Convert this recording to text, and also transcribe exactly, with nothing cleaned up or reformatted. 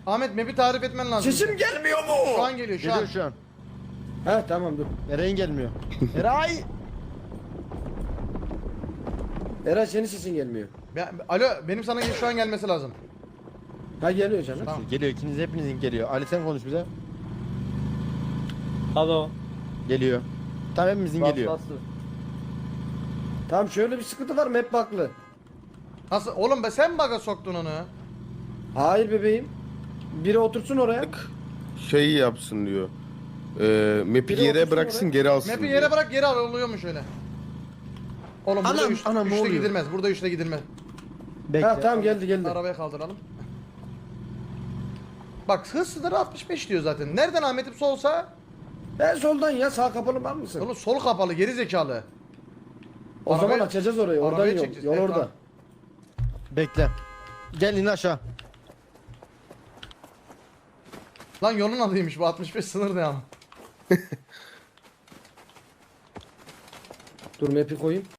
Ahmet map'i tarif etmen lazım. Sesim gelmiyor mu? Şu an geliyor şu Geliyor an. şu an. He tamam dur. Eray'ın gelmiyor. Eray! Eray senin sesin gelmiyor. Ben, alo benim sana şu an gelmesi lazım. Ha geliyor canım. Tamam. Geliyor, ikiniz hepinizin geliyor. Ali sen konuş bize. Alo. Geliyor. Tamam hepimizin Bas, geliyor. bas. Tamam şöyle bir sıkıntı var map baklı. Nasıl? Oğlum be sen bug'a soktun onu. Hayır bebeğim. Biri otursun oraya. Şey yapsın diyor. Ee, map'i Biri yere otursun bıraksın oraya. geri alsın Map'i diyor. yere bırak geri al oluyormuş öyle. Oğlum burada Anam, üç, anam, ne üçte oluyor? gidilmez. Burada üçte gidilmez. Bekle. Ha tamam geldi geldi. Arabaya kaldıralım. Bak hız sınırı altmış beş diyor zaten. Nereden Ahmet'im solsa? Ben soldan ya sağ kapalı var mısın? Oğlum sol kapalı geri zekalı. O zaman Arabaya- açacağız orayı. Oradan arabaya yol. çekeceğiz. Yol Evet, orada. tamam. Bekle. Gel in aşağı. Lan yolun adıymış bu altmış beş sınır ne ama. Dur map'i koyayım.